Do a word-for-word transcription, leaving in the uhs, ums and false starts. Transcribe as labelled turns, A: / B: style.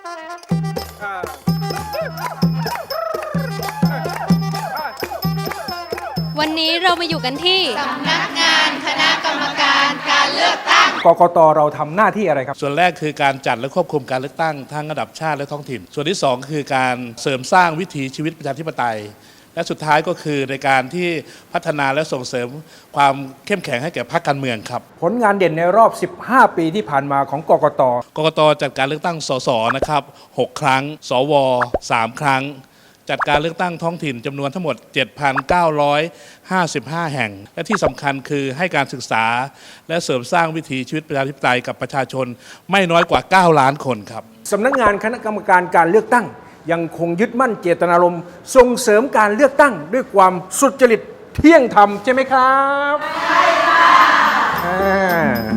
A: วันนี้เรามาอยู่กันที่
B: สำนักงานคณะกรรมการการเลือกตั้ง
C: กกต.เราทำหน้าที่อะไรครับ
D: ส่วนแรกคือการจัดและควบคุมการเลือกตั้งทั้งระดับชาติและท้องถิ่นส่วนที่สองคือการเสริมสร้างวิถีชีวิตประชาธิปไตยและสุดท้ายก็คือในการที่พัฒนาและส่งเสริมความเข้มแข็งให้แก่พรรคการเมืองครับ
C: ผลงานเด่นในรอบสิบห้าปีที่ผ่านมาของกกต.
D: กกต.จัดการเลือกตั้งสสนะครับหกครั้งสวสามครั้งจัดการเลือกตั้งท้องถิ่นจำนวนทั้งหมด เจ็ดพันเก้าร้อยห้าสิบห้า แห่งและที่สำคัญคือให้การศึกษาและเสริมสร้างวิถีชีวิตประชาธิปไตยกับประชาชนไม่น้อยกว่าเก้าล้านคนครับ
C: สำนักงานคณะกรรมการการเลือกตั้งยังคงยึดมั่นเจตนารมณ์ส่งเสริมการเลือกตั้งด้วยความสุจริตเที่ยงธรรมใช่ไหมครับใช่ค่ะ